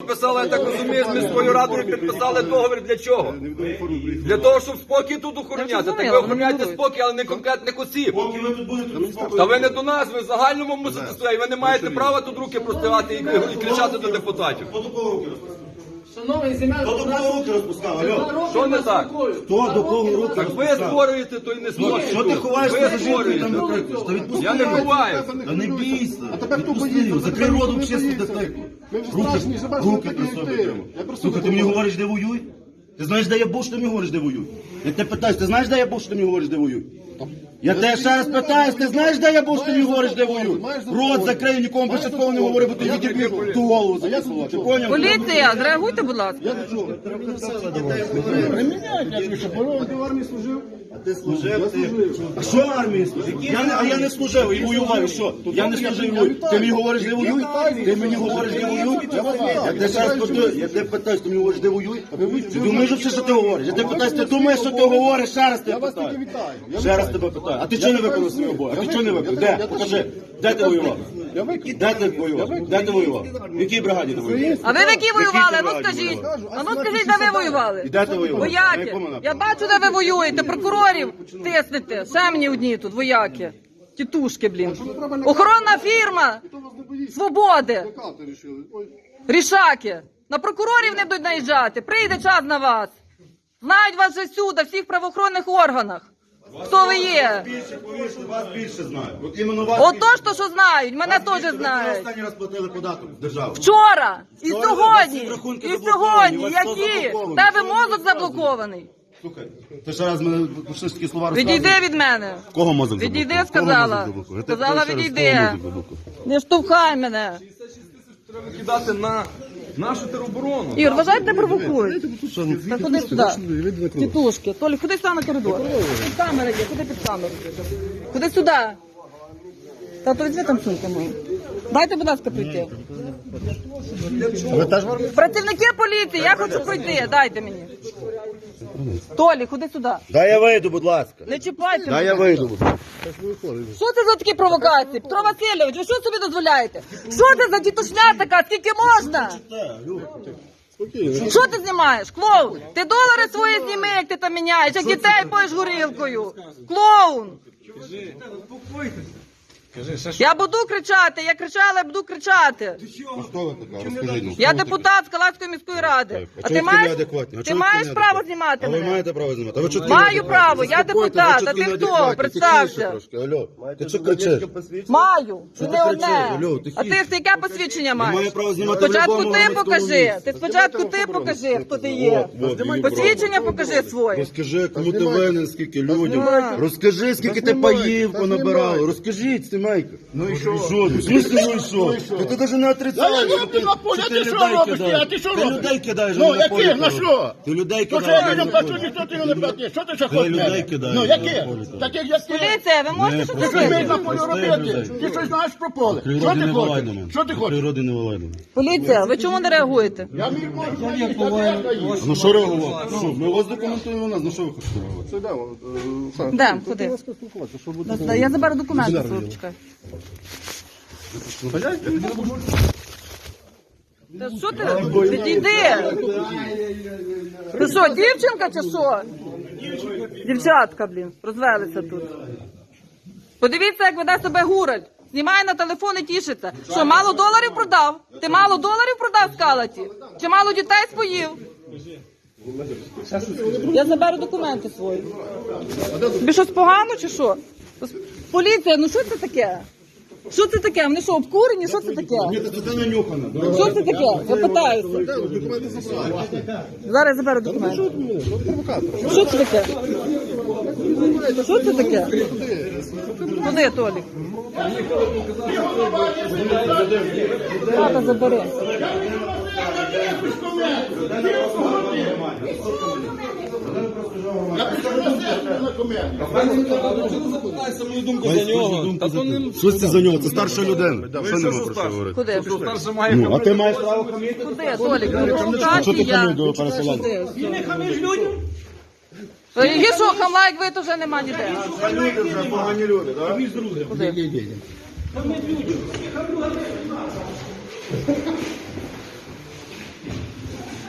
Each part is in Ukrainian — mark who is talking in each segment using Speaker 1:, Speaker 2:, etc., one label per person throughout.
Speaker 1: підписали, я так розумію, з міською радою підписали договір для чого? Для того, щоб спокій тут охороняти. Так ви охороняєте спокій, але не конкретних осіб.
Speaker 2: Поки ви тут будете, тут спокійно.
Speaker 1: Та ви не до нас, ви в загальному мусите стояти, ви не маєте права тут руки простягати і кричати до депутатів.
Speaker 2: Хто до кого руки розпускав?
Speaker 3: Шановний земель,
Speaker 2: Хто до кого руки розпускав? Алло?
Speaker 1: Що не так?
Speaker 2: Хто до кого руки
Speaker 1: Так ви
Speaker 2: розпускав?
Speaker 1: створюєте, то й не створюєте.
Speaker 2: Що ти ховаєшся за
Speaker 1: Ви
Speaker 2: жінкою і там
Speaker 1: створюєте.
Speaker 2: викрикуєш? Та відпусти.
Speaker 1: Я не ховаюся.
Speaker 2: Та не бійся.
Speaker 4: А тебе хто
Speaker 2: Відпусти
Speaker 4: боїться?
Speaker 2: його. Закрий рот взагалі дитеку.
Speaker 4: Ми вже страшні, що бачимо,
Speaker 2: Руки
Speaker 4: так
Speaker 2: при
Speaker 4: і
Speaker 2: собі
Speaker 4: ти.
Speaker 2: тримай.
Speaker 4: Я просто
Speaker 2: Слухай, ти мені говориш, де воюй? Ти знаєш, де я був, що ти мені говориш, де воюй? Я тебе питаюсь, ти знаєш, де я був, що ти мені говориш, де воюй? Я тебе ще раз питаюсь, ти знаєш, де я був, що ти мені говориш, де воюй? Рот закрий, нікому більше такого не говори, бо ти відіб'єш ту голову закисував. Ти поняв?
Speaker 5: Поліція, зреагуйте, будь ласка.
Speaker 4: Ти в армії служив?
Speaker 2: Ти служив, ти... А що в армії служив? Я не служив і воював, і що? Я не служив і воюю. Ти мені говориш, де воюй? Ти мені говориш, де воюй? Я тебе ще раз питаю, я тебе питаюсь, ти мені говориш, де воюй? Ти думаєш все, що ти говориш? Я тебе питаюсь, ти думаєш, що ти говориш? Ще раз тебе питаю. Ще раз тебе питаю. А ти чого не виконав свій обов'язок? А ти чого не виконав? Де? Покажи. Де ти воював? Де ти воював? Де ти воював? В якій бригаді ти воював?
Speaker 5: А ви в якій воювали?
Speaker 2: ти
Speaker 5: Ну
Speaker 2: бригаді
Speaker 5: скажіть.
Speaker 2: воював?
Speaker 5: А ну скажіть, де ви воювали?
Speaker 2: І де ти воював? На
Speaker 5: Вояки.
Speaker 2: якому
Speaker 5: Я
Speaker 2: напрямку?
Speaker 5: бачу, де ви воюєте. Прокурорів тиснете. Ще мені одні тут, вояки. Тітушки, блін. Охоронна фірма. Свободи.
Speaker 4: Лякати рішили. Ой.
Speaker 5: Рішаки. На прокурорів не будуть наїжджати. Прийде час на вас. Знають вас вже всюди, всіх правоохоронних органах. Хто ви є?
Speaker 2: Більше, повірте, вас більше знають. От іменно вас
Speaker 5: Ото
Speaker 2: більше.
Speaker 5: ж то, що знають. Мене теж
Speaker 2: Ви
Speaker 5: знають.
Speaker 2: останній раз платили податок в державу.
Speaker 5: Вчора, і
Speaker 2: Вчора
Speaker 5: сьогодні,
Speaker 2: у вас рахунки
Speaker 5: і
Speaker 2: заблоковані,
Speaker 5: сьогодні,
Speaker 2: у вас все
Speaker 5: які?
Speaker 2: заблоковано.
Speaker 5: Тебе
Speaker 2: Що ви
Speaker 5: мозок
Speaker 2: розказуєте?
Speaker 5: заблокований.
Speaker 2: Слухай, ти ще раз мене почнеш такі слова розказувати.
Speaker 5: Відійди від мене.
Speaker 2: Кого мозок
Speaker 5: Відійди,
Speaker 2: заблокував? Кого
Speaker 5: сказала.
Speaker 2: мозок заблокував? Я тебе
Speaker 5: Сказала,
Speaker 2: питаю ще раз,
Speaker 5: відійди.
Speaker 2: кого мозок заблокував?
Speaker 5: Не штовхай мене.
Speaker 1: Треба кидати на нашу тероборону.
Speaker 5: Ігор, вважай, не провокують. Та ходи сюди. Тітушки. Толі, ходи сюди на коридор. Під камери є, ходи під камеру. Ходи сюди. Та то візьми там сумку мою. Дайте, будь ласка, прийти. Працівники поліції, я хочу пройти, дайте мені. Толі, ходи сюди.
Speaker 2: Дай я вийду, будь ласка.
Speaker 5: Не чіпайте
Speaker 2: Дай я
Speaker 5: мене.
Speaker 2: вийду, будь ласка.
Speaker 5: Що це за такі провокації? Петро Васильович, ви що собі дозволяєте? Що це за дітушня така? Скільки можна? Що ти знімаєш? Клоун! Ти долари свої зніми, як ти там міняєш, як дітей поїш горілкою. Клоун! Я буду кричати, я кричала, я буду кричати.
Speaker 2: Хто ви така? Розкажіть нам.
Speaker 5: Я депутат Скалацької міської ради. А ти маєш право знімати
Speaker 2: А ви
Speaker 5: мене?
Speaker 2: маєте право знімати? А ви чого
Speaker 5: Маю право, я депутат, а ти хто? Представся.
Speaker 2: Алло, ти що кричиш?
Speaker 5: Маю, і
Speaker 2: ти
Speaker 5: не одне.
Speaker 2: кричиш? Алло, тихіше.
Speaker 5: А ти яке посвідчення
Speaker 2: маю
Speaker 5: маєш?
Speaker 2: право знімати в
Speaker 5: Спочатку
Speaker 2: любому
Speaker 5: ти
Speaker 2: громадському
Speaker 5: покажи.
Speaker 2: місці.
Speaker 5: Ти спочатку ти покажи, хто ти є. Посвідчення покажи своє.
Speaker 2: Розкажи, кому ти винен, скільки людям. Розкажи, скільки ти паїв понабирав. Розкажіть, Стимейко. Ну і що? В смысле, ну і що? Ти навіть не отрицаєш, що ти людей кидаєш. Ти людей кидаєш.
Speaker 6: Ну, яких? На що?
Speaker 2: Ти людей
Speaker 6: То що я
Speaker 2: кидаєш.
Speaker 6: людям плачу, ніхто ти його не платить. Що ти ще хочеш?
Speaker 2: людей
Speaker 6: мене?
Speaker 2: кидаєш
Speaker 6: Ну,
Speaker 2: на
Speaker 6: яких?
Speaker 2: полі.
Speaker 6: Таких, як ти.
Speaker 5: Поліція, ви можете щось
Speaker 6: Ти що вмієш
Speaker 5: зробити?
Speaker 6: на полі робити? Ти щось знаєш про поле? Що
Speaker 2: Природи
Speaker 6: ти
Speaker 2: не
Speaker 6: хочеш?
Speaker 2: вилай до мене.
Speaker 6: Що ти хочеш?
Speaker 2: Природи не вилай до мене.
Speaker 5: Поліція, ви чому не реагуєте?
Speaker 6: Я міг можу.
Speaker 2: Ну що реагувати? Що, ми вас документуємо нас, ну що ви хочете реагувати?
Speaker 4: Це йдемо. Саш,
Speaker 5: Де? Куди?
Speaker 4: спілкуватися, що буде.
Speaker 5: Я заберу документи свої, почекай. Та що ти? Відійди! Ти що, дівчинка чи що? Дівчатка, блін, розвелися тут. Подивіться, як веде себе Гураль. Знімає на телефон і тішиться. Що, мало доларів продав? Ти мало доларів продав в Калаті? Чи мало дітей споїв? Я заберу документи свої. Тобі щось погано чи що? Поліція, ну що це таке? Що це таке? Вони що, обкурені? Що це таке?
Speaker 2: Ні, це нанюхано.
Speaker 5: Що це таке? Я питаюся. Зараз я заберу документи. Що це таке? Що це таке? Куди, Толік? Тата, забери.
Speaker 1: Запитайся мою думку за нього. Та то не...
Speaker 2: Що це за нього? Це старша людина. Що нема про що говорити?
Speaker 5: Куди?
Speaker 1: Що старше має
Speaker 2: Ну, а ти маєш право хамити?
Speaker 5: Куди, Толік?
Speaker 2: Що ти хамиш до переселенця?
Speaker 5: Ти не хамиш людям? Гіршого хамла, як ви, то вже нема ніде.
Speaker 2: Люди вже, погані люди, так?
Speaker 5: Куди?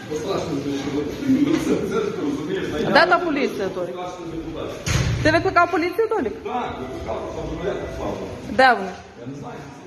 Speaker 5: А де та поліція, Толік? Ти викликав поліцію, Толік?
Speaker 1: Так,
Speaker 5: Де вони?
Speaker 1: я не знаю.